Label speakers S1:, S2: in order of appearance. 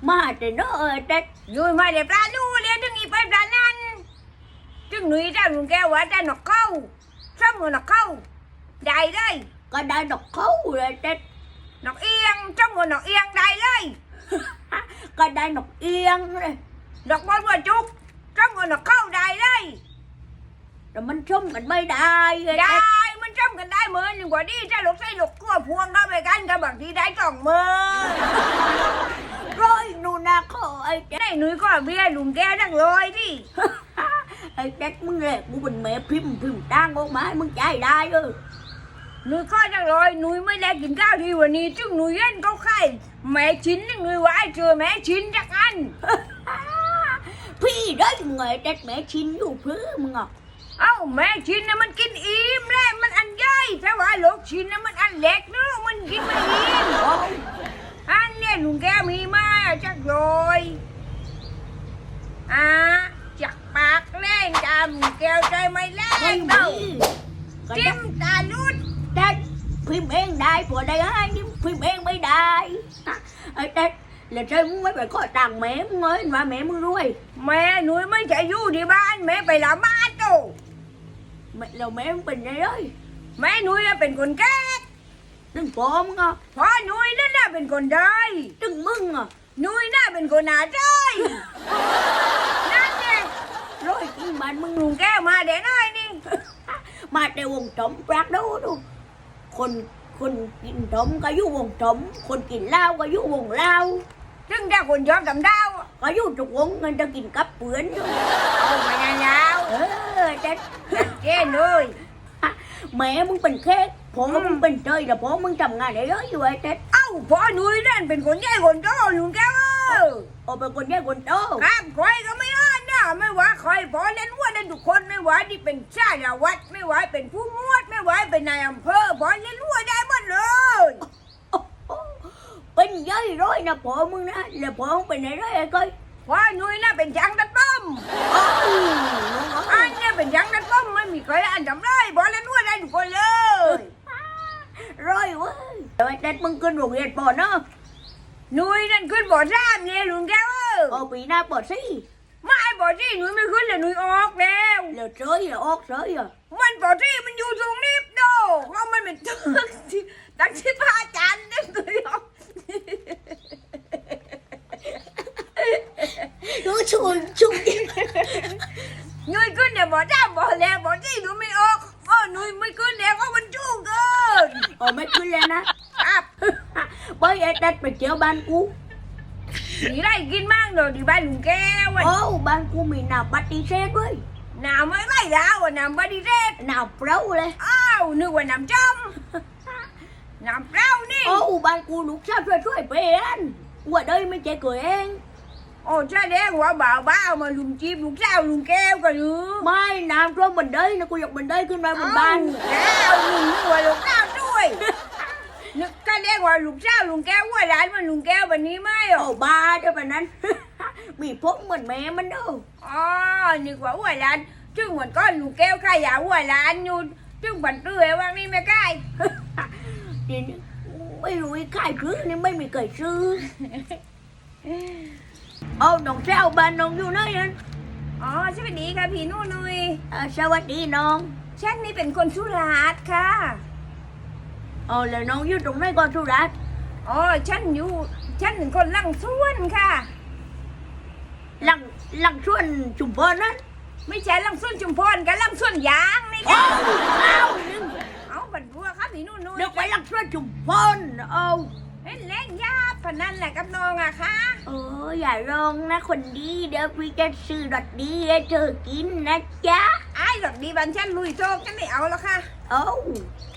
S1: มาแต่เนอะแต่
S2: rồi mà để ra lu liền đừng nghĩ phải ra nan đừng nuôi ra luôn kêu quá ra nó câu xong rồi nó câu đầy đây
S1: ก็ได้ดอกเขาเลยแต่
S2: nó yên xong rồi nó yên đầy đây
S1: ก็ได้ดอกเอียงเลย
S2: nó bón vào chút xong rồi nó câu đầy đây
S1: แต่มันชุ่มกันไม่ได้เลย
S2: đây mình xong gần đây mới nhưng quả đi ra lục xây lục cua phuông đó về canh cả bằng đi đáy tròn mơ
S1: ร้อยนูนาขอไอ้
S2: cái này nuôi có bia lùm ke đang rồi đi
S1: ไอ้แจ็คมึงเลยกูเป็นแม่พิมพ์ตั้งออกมาให้มึงใจได้เออ
S2: nuôi coi đang rồi nuôi mới lên kín cao đi và ni chứ nuôi ăn câu khai mẹ chín nuôi quái chưa mẹ chín chắc ăn
S1: พี่ได้ไงแต่แม่ชินอยู่เพื่อมึงอ่ะ
S2: áo mẹ chín nó mình kín im lên mình ăn dây sao phải lột chín nó mình ăn lẹt nữa mình kín mình im ăn nè lùm ke mi ma chắc rồi à chặt bạc lên cầm kêu chơi mày
S1: ไม่
S2: lên
S1: มี
S2: đâu
S1: ก็ได้
S2: tim ta lút
S1: ได้พิมพ์เองได้ผัวได้ให้นี่พิมพ์เองไม่ได้ไอ้แต่là chơi muốn mấy bài có tàng mẹ muốn nói mà mẹ muốn nuôi
S2: mẹ nuôi mới chạy du đi ban mẹ phải làm ba đâu
S1: mẹ là mẹ muốn bình này đấy
S2: mẹ nuôi làเป็นคนแก่
S1: đừng cóมึงà
S2: พ่อนุ้ยนั่นน่ะเป็นคนได้
S1: đừng mừng à
S2: นุ้ยน่ะเป็นคนหนาใจนั่นไง
S1: rồi cái bạn mừng
S2: ลุงแก้วมาเดี๋ยวหน่อยนี่
S1: mà đều vòng trống rác đâu đâuคนกินtrốngก็อยู่วงtrốngคนกินเหล้าก็อยู่วงเหล้า
S2: ซึ่งถ้าคนชอบทำดาว
S1: ก็อยู่ทุกวงเงินจะกินกับเปือนอยู่
S2: เอามายาว
S1: แต่
S2: ๆจัดเจนเลย
S1: แม่มึงเป็นแค่พ่อมึงเป็นเจยแต่พ่อมึงทำงานได้เยอะอยู่ไอ้แต่
S2: เอ้าพ่อนุ้ยนั่นเป็นคนใหญ่คนโตลุงแก้ว
S1: โอ้เป็นคนแย่คนโต
S2: ครับใครก็ไม่อ้อนนะไม่ว่าใครพ่อเล่นวัวเล่นทุกคนไม่ว่าที่เป็นชาติวัดไม่ว่าเป็นผู้มวดไม่ว่าเป็นนายอำเภอพ่อเล่นวัวได้หมดเลย
S1: เป็นเยอะร้อยนะพ่อมึงนะแล้วพ่อมึงเป็นอะไรไอ้ก้อย
S2: พ่อนุ้ยน่ะเป็นช่างตัดป้อมอันเนี่ยเป็นช่างตัดป้อมไม่มีใครอันทำได้พ่อเล่นวัวได้ทุกคนเลย
S1: ร้อยเว้ยแต่ไอ้แต่มึงขึ้นโรงเรียนปอเนาะ
S2: นุ้ยนั่นขึ้นบ่อซ้ำเนี่ยลุงแก้ว
S1: ปีหน้าปอสิ
S2: ไม่บ่อที่นุ้ยไม่ขึ้นเลยนุ้ยออกแล้ว
S1: แล้วเฉยออกเฉยอ่ะ
S2: มันบ่อที่มันอยู่ตรงนี้โดเพราะมันเป็นตึกที่ตั้งที่พระอาจารย์เนี่ยนุ้ยออก
S1: รู้ชุน
S2: นุ้ยขึ้นเนี่ยบ่อซ้ำบ่อแล้วบ่อที่นุ้ยไม่ออกนุ้ยไม่ขึ้นแล้วเพราะมันจู้เกิน
S1: โอ้ไม่ขึ้นเลยนะครับ ไปไอ้แต่ไปเที่ยวบ้านกู
S2: มีไรกินมั่งเดี๋ยวดีบ้านลุงแก้ว
S1: โอ้บ้านกูมีหนาปฏิเสธด้วย
S2: หนาวไม่ไหวแล้วหนาวบดีเรศ
S1: หนาเปล่าเลย
S2: อ้าวนึกว่าน้ำจมน้ำเปล่านี่
S1: โอ้บ้านกูลูกชายช่วยเป็นว่าđâyไม่ใช่cườiเอง
S2: โอ้ใช่แล้วว่าบ่าวบ้ามาลุงจีบลุงเจ้าลุงแก้วกันหรือ
S1: ไม่น้ำท่วมมันđâyนะกูอยากมันđâyขึ้นมาบนบ้าน
S2: แล้วลุงนึกว่าลุงเจ้าด้วยนึกก็เรียกว่าลุงเจ้าลุงแก้วว่าร้านมันลุงแก้วแบบนี้ไหม
S1: โอ้บ้าเดี๋ยวแบบนั้น มีพกเหมือนแม่มันเด้อ
S2: อ๋อนึกว่าว่าร้านจึงเหมือนก้อนลุงแก้วขายาว่าร้านอยู่จึงบันเตื้อว่านี่ไม่ใกล้
S1: เดี๋ยวนี้ไม่รู้ไอ้ขายซื้อนี่ไม่มีใครซื้อเอาน้องเจ้าบ้านน้องอยู่ไหนนั่น
S2: อ๋อสวัสดีค่ะพี่นุ่นุย
S1: สวัสดีน้อง
S2: ฉันนี่เป็นคนสุราษฎร์ค่ะ
S1: อ๋อแล้วน้องอยู่ตรงไหนก่อนสุรัตน์
S2: อ๋อฉันเป็นคนลังส่วนค่ะ
S1: หลังส่วนชุมพรนั้น
S2: ไม่ใช่ลังส่วนชุมพรกับลังส่วนยางนี่
S1: โอ้
S2: ค่ะ
S1: เอานึง
S2: เอาบันบัวครับพี่นุ่นุย
S1: เดี๋ยวไปหลังส่วนชุมพรเอา
S2: เล่นเล่นยาพนันแหละกับน้องอะค่ะ
S1: อย่าร้องนะคนดีเดี๋ยวพี่จะซื้อดอทดีให้เธอกินนะจ๊ะ
S2: ไอ้หลอกดีบันฉันลุยโชคฉันไม่เอาแล้วค่ะ
S1: เอา